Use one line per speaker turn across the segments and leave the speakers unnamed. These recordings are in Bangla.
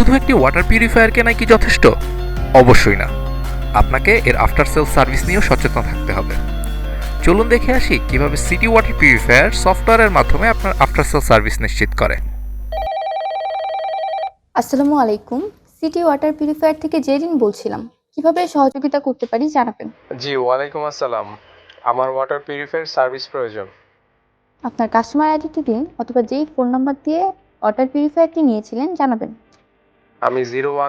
শুধু একটি ওয়াটার পিউরিফায়ার কেনাই কি যথেষ্ট? অবশ্যই না। আপনাকে এর আফটার সেল সার্ভিস নিয়েও সচেতন থাকতে হবে। চলুন দেখে আসি কিভাবে সিটি ওয়াটার পিউরিফায়ার সফটওয়্যারের মাধ্যমে আপনার আফটার সেল সার্ভিস নিশ্চিত করে।
আসসালামু আলাইকুম। সিটি ওয়াটার পিউরিফায়ার থেকে জেরিন বলছিলাম। কিভাবে সহযোগিতা করতে পারি জানাবেন।
জি, ওয়ালাইকুম আসসালাম। আমার ওয়াটার পিউরিফায়ার সার্ভিস প্রয়োজন।
আপনার কাস্টমার আইডিটি দিন অথবা যেই ফোন নাম্বার দিয়ে ওয়াটার পিউরিফায়ারটি নিয়েছিলেন জানাবেন।
আমি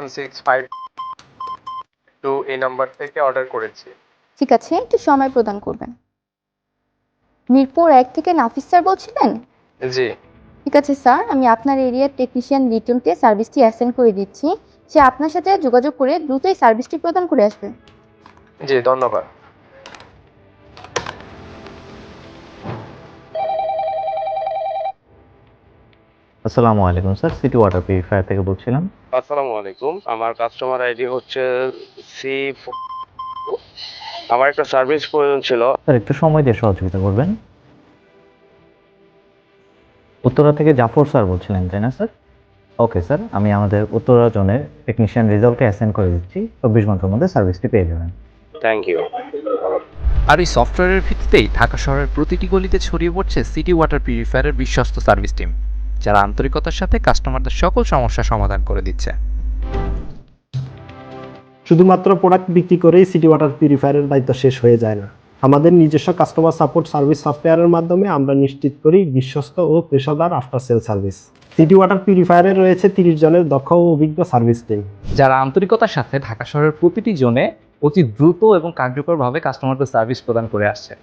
01652 এই নাম্বার থেকে অর্ডার করেছি।
ঠিক আছে, একটু সময় প্রদান করবেন। মিরপুর 1 থেকে নাফিস স্যার বলছিলেন?
জি,
ঠিক আছে স্যার, আমি আপনার এরিয়ার টেকনিশিয়ান রিটনকে সার্ভিসটি অ্যাসাইন করে দিচ্ছি। সে আপনার সাথে যোগাযোগ করে দ্রুতই সার্ভিসটি প্রদান করে আসবে।
জি ধন্যবাদ।
আসসালামু আলাইকুম স্যার, সিটি ওয়াটার পিউরিফায়ার থেকে বলছিলাম।
আসসালামু আলাইকুম। আমার কাস্টমার আইডি হচ্ছে সি। আমার একটা সার্ভিস প্রয়োজন ছিল।
স্যার একটু সময় দিয়ে সহযোগিতা করবেন। উত্তরা থেকে জাফর স্যার বলছিলেন তাই না স্যার? ওকে স্যার, আমি আমাদের উত্তরা জোনের টেকনিশিয়ান রেজাল্টে অ্যাসাইন করে দিচ্ছি। 24 ঘন্টার মধ্যে সার্ভিসটি পেয়ে যাবেন।
Thank you.
আর এই সফটওয়্যারের ভিত্তিতেই ঢাকা শহরের প্রতিটি গলিতে ছড়িয়ে পড়ছে সিটি ওয়াটার পিউরিফায়ারের বিশ্বস্ত সার্ভিস টিম, যারা আন্তরিকতার সাথে কাস্টমারদের সকল সমস্যা সমাধান করে দিচ্ছে।
শুধুমাত্র প্রোডাক্ট বিক্রি করেই সিটি ওয়াটার পিউরিফায়ারের দায়িত্ব শেষ হয়ে যায় না। আমাদের নিজস্ব কাস্টমার সাপোর্ট সার্ভিস সফটওয়্যারের মাধ্যমে আমরা নিশ্চিত করি বিশ্বস্ত ও পেশাদার after sale service. City water পিউরিফায়ারে রয়েছে 30 জনের দক্ষ ও অভিজ্ঞ সার্ভিস টিম,
যারা আন্তরিকতার সাথে ঢাকা শহরের প্রতিটি জোনে অতি দ্রুত এবং কার্যকরভাবে কাস্টমারদের সার্ভিস প্রদান করে আসছে।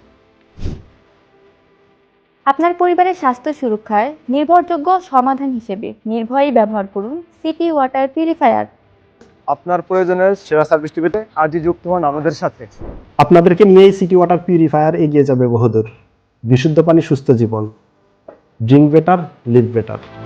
আপনার পরিবারের স্বাস্থ্য সুরক্ষার নির্ভরযোগ্য সমাধান হিসেবে নির্ভয়ে ব্যবহার করুন সিটি ওয়াটার পিউরিফায়ার।
আপনার প্রয়োজনের সেরা সার্ভিসটি পেতে আজই যুক্ত হন আমাদের সাথে।
আপনাদেরকে নিয়েই সিটি ওয়াটার পিউরিফায়ার এগিয়ে যাবে বহুদূর। বিশুদ্ধ পানি, সুস্থ জীবন। Drink better, live better.